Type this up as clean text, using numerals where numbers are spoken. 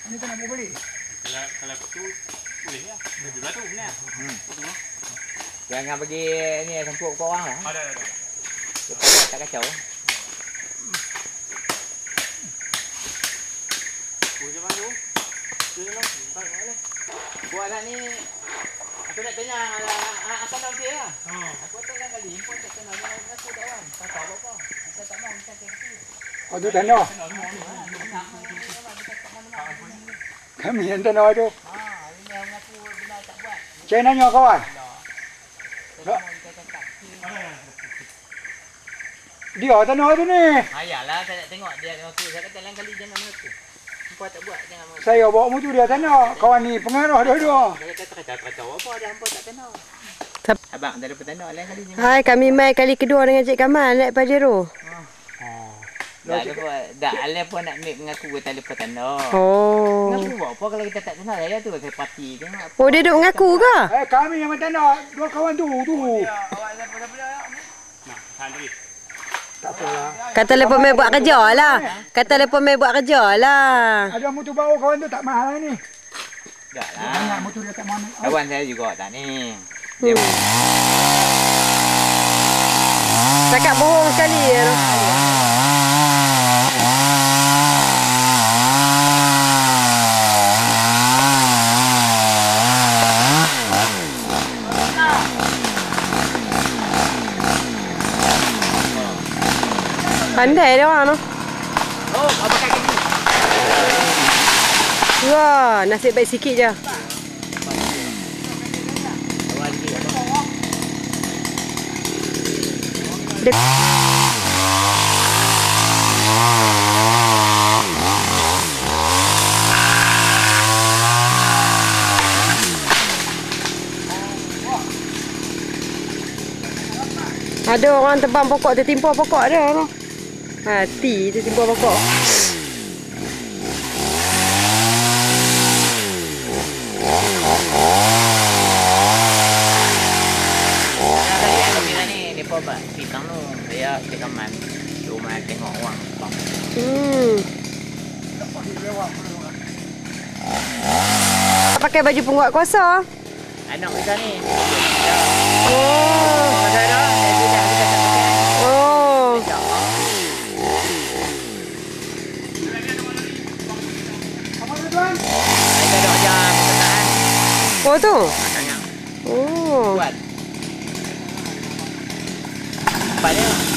Ini tu nak buat beli. Kalau tu boleh ya. Lebih batu ni. Jangan bagi ni sempuk kau orang lah. Ada. Tak kacau. Boleh bantu. Tolong. Boleh. Buatlah ni. Aku nak tanya apa nama dia lah. Aku tak kan kali import tak kenal dengan aku tak kan. Tak tahu apa. Kita tak mau kita kaki. Oh tu tanah. Kami yang tanah tu. Ini yang aku benar tak buat. Saya nanya kawan. Dia tanah tu ni. Ayalah saya nak tengok dia dengan aku. Saya kata lain kali jangan mengaku. Hampa tak buat jangan mengaku. Saya bawa motor dia tanah. Kawan ni pengaruh dua-dua. Saya kata kacau apa dia hampa tak kenal. Abang tak ada petanda lain kali jangan. Hai, kami mai kali kedua dengan Cik Kamal naik Pajero. Dah Alif pun nak make mengaku kita ada petanda. Oh. Mengaku buat apa kalau kita tak kenal saya tu saya parti tengok. Oh, dia duk mengaku ke? Kami yang tanah. Dua kawan tu. Awak dah Nah, sandri. Tak apalah. Kata lepas mai buat kerja lah. Kata lepas mai buat kerja lah. Ada motor baru kawan tu tak mahal ni. dah Banyak lah. motor dia tak mahal. Kawan saya juga tak ni. Cakap bohong sekali ya. Pandai dia orang tu. Oh, apa kaki ni? Wah, nasib baik sikit je. Dia... Ada orang tebang pokok tertimpa pokok dia tu. Hati tertimpa pokok. Kita tu saya Kamal rumah tengok orang bang. Pakai baju penguat kuasa. Anak kita ni. Oh. Ada dah. Dia dah kita tak pakai. Oh. Apa tu tuan? Ada dah jam pertengahan. Oh tu. Tanya. Oh. Buat. Banyak.